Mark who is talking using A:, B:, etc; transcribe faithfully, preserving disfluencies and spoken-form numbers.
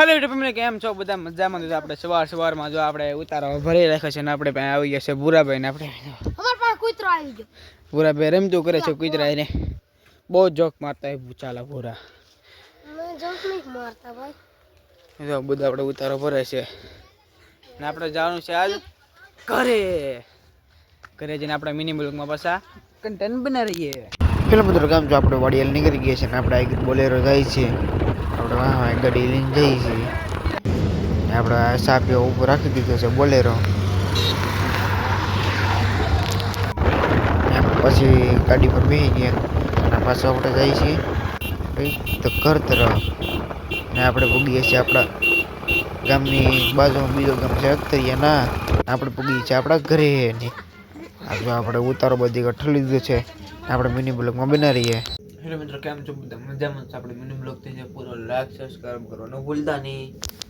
A: Hello YouTube કેમ છો બધા મજામાં? તો આપણે સવાર સવારમાં જો આપણે ઉતારો ભરી રાખ્યો છે ને આપણે પાસે આવી ગયા છે ભૂરાભાઈ ને આપણે
B: અમાર પાસે કૂતરો આવી ગયો.
A: ભૂરાભાઈ રમતું કરે છે કૂતરા એને બહુ જોક મારતા હોય ચાલા ભૂરા.
B: મેં જોક નહીં મારતા ભાઈ.
A: જો બધા આપણે ઉતારો ભરે છે ને આપણે જવાનું છે આજ ઘરે ઘરે જઈને આપણે મિની બ્લોગમાં પાછા કન્ટેન્ટ બનાવીએ. પેલા મિત્રો કામ જો આપણે વાડિયાલ નીકળી ગયા છે ને આપણે આ બોલેરો જાય છે આપણે વાહ ગાડી લઈને જઈએ છીએ ને આપણે સાપીઓ ઉપર રાખી દીધો છે બોલેરો. પછી ગાડી પર બેસી ગયા અને પાછું આપણે જઈએ છીએ તો ઘર તરફ ને આપણે પૂગીએ છીએ આપણા ગામની બાજુમાં બીજો ગામ છે અખતરિયા ના આપણે પૂગીએ છીએ આપણા ઘરે ને આજે આપણે ઉતારો બધી ગઠ્ઠી લીધો છે આપણે મિની બ્લોગમાં બના રહીએ. હેલો મિત્રો કેમ છો બધા મજામાં? આપણે મિની બ્લોગ થઈ જાય પૂરો લાઈક સબસ્ક્રાઇબ કરવાનું ભૂલતા નહીં.